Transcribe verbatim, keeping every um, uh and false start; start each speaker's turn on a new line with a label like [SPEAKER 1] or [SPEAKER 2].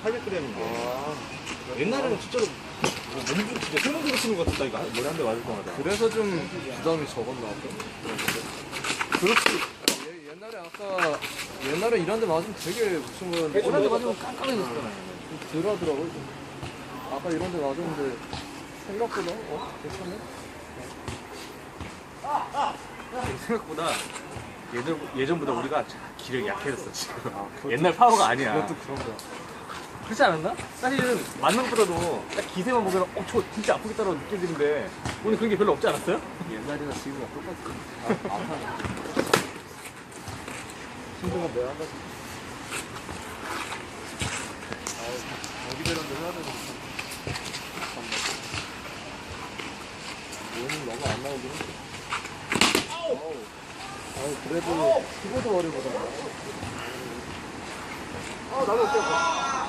[SPEAKER 1] 팔백 그램인데.
[SPEAKER 2] 아,
[SPEAKER 1] 옛날에는 진짜로 뭐 몸도 진짜 세문으로 치는 것 같았다 이거 머리 한 대 맞을 때마다.
[SPEAKER 2] 그래서 좀 부담이 적었나 봐. 그렇지. 예, 옛날에 아까 옛날에 이런 데 맞으면 되게 무슨 거였는데
[SPEAKER 1] 이런 데 맞으면 깜깜해졌잖아.
[SPEAKER 2] 좀 덜하더라고요. 좀. 아까 이런 데 맞았는데 생각보다 어? 괜찮네?
[SPEAKER 1] 생각보다 예전, 예전보다 우리가 기력이 약해졌어 지금.
[SPEAKER 2] 아, 그것도-
[SPEAKER 1] 옛날 파워가 아니야.
[SPEAKER 2] 그것도 그런 거야.
[SPEAKER 1] 그렇지 않았나? 사실은 맞는 것보다도 딱 기세만 보면 어 저 진짜 아프겠다고 느껴지는데 오늘 그런 게 별로 없지 않았어요?
[SPEAKER 2] 옛날이나 지금이랑 똑같아. 아, 아파. 힘든 건 내가 한다. 아, 여기 되는데 해야 되는 오늘 너무 안 나오긴 해. 아우. 아우, 그래도 키보드 머리보다. 아, 나도 어때?